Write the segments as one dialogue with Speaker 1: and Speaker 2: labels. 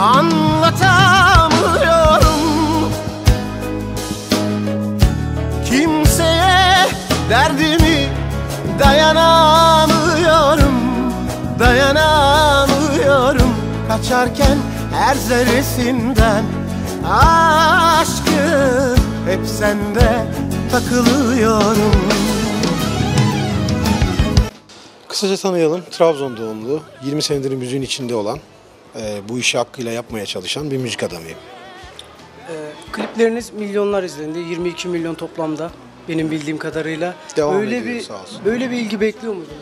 Speaker 1: Anlatamıyorum kimseye derdimi, dayanamıyorum, dayanamıyorum. Kaçarken her zerresinden aşkım hep sende takılıyorum.
Speaker 2: Kısaca tanıyalım. Trabzon doğumlu, 20 senedir müziğin içinde olan, bu işi hakkıyla yapmaya çalışan bir müzik adamıyım.
Speaker 3: Klipleriniz milyonlar izlendi. 22 milyon toplamda benim bildiğim kadarıyla.
Speaker 2: Devam ediyor, sağ olsun.
Speaker 3: Böyle bir ilgi bekliyor muydunuz?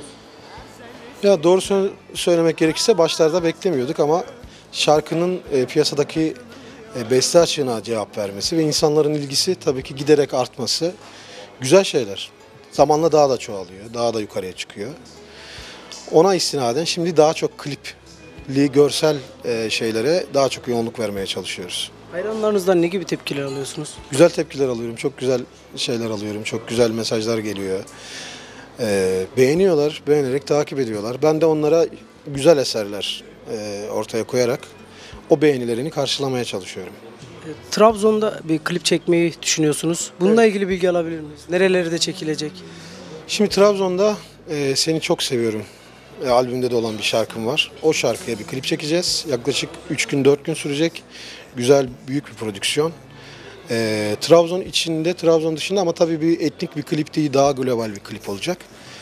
Speaker 2: Ya doğru söylemek gerekirse başlarda beklemiyorduk ama şarkının piyasadaki beste açığına cevap vermesi ve insanların ilgisi tabii ki giderek artması güzel şeyler. Zamanla daha da çoğalıyor, daha da yukarıya çıkıyor. Ona istinaden şimdi daha çok klipli, görsel şeylere daha çok yoğunluk vermeye çalışıyoruz.
Speaker 3: Hayranlarınızdan ne gibi tepkiler alıyorsunuz?
Speaker 2: Güzel tepkiler alıyorum, çok güzel şeyler alıyorum, çok güzel mesajlar geliyor. Beğeniyorlar, beğenerek takip ediyorlar. Ben de onlara güzel eserler ortaya koyarak o beğenilerini karşılamaya çalışıyorum.
Speaker 3: Trabzon'da bir klip çekmeyi düşünüyorsunuz. Bununla ilgili bilgi alabilir miyiz? Nerelerde çekilecek?
Speaker 2: Şimdi Trabzon'da Seni Çok Seviyorum albümde de olan bir şarkım var. O şarkıya bir klip çekeceğiz. Yaklaşık 3 gün 4 gün sürecek. Güzel, büyük bir prodüksiyon. Trabzon içinde, Trabzon dışında ama tabii bir etnik bir klip değil, daha global bir klip olacak.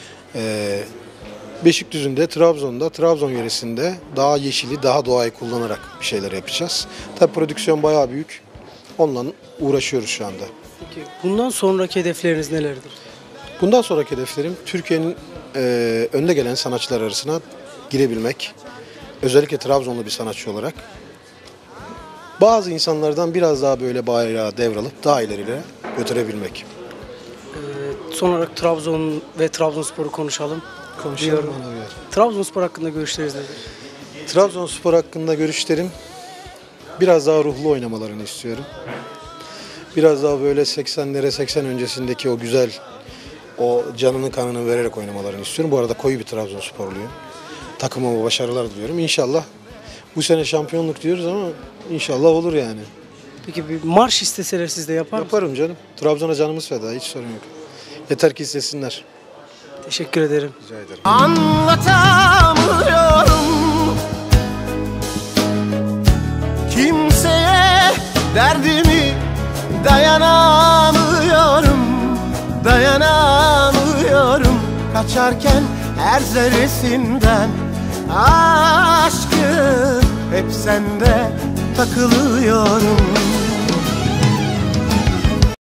Speaker 2: Beşikdüzü'nde, Trabzon'da, Trabzon yöresinde daha yeşili, daha doğayı kullanarak bir şeyler yapacağız. Tabii prodüksiyon bayağı büyük. Onunla uğraşıyoruz şu anda.
Speaker 3: Peki bundan sonraki hedefleriniz nelerdir?
Speaker 2: Bundan sonraki hedeflerim Türkiye'nin önde gelen sanatçılar arasına girebilmek. Özellikle Trabzonlu bir sanatçı olarak. Bazı insanlardan biraz daha böyle bayrağı devralıp daha ilerilere götürebilmek.
Speaker 3: Son olarak Trabzon ve Trabzonspor'u konuşalım.
Speaker 2: Konuşalım.
Speaker 3: Trabzonspor hakkında görüşleriniz nedir?
Speaker 2: Trabzonspor hakkında görüşlerim biraz daha ruhlu oynamalarını istiyorum. Biraz daha böyle 80'lere 80 öncesindeki o güzel, o canını kanını vererek oynamalarını istiyorum. Bu arada koyu bir Trabzonsporluyum. Takımıma başarılar diliyorum. İnşallah bu sene şampiyonluk diyoruz ama inşallah olur yani.
Speaker 3: Peki bir marş isteseler siz de yapar mısınız?
Speaker 2: Yaparım canım. Trabzon'a canımız feda. Hiç sorun yok. Yeter ki istesinler.
Speaker 3: Teşekkür ederim.
Speaker 2: Rica ederim.
Speaker 1: Anlatamıyorum kimseye derdimi, dayanamıyorum, dayanamıyorum. Kaçarken her zerresinden aşkım hep sende takılıyorum.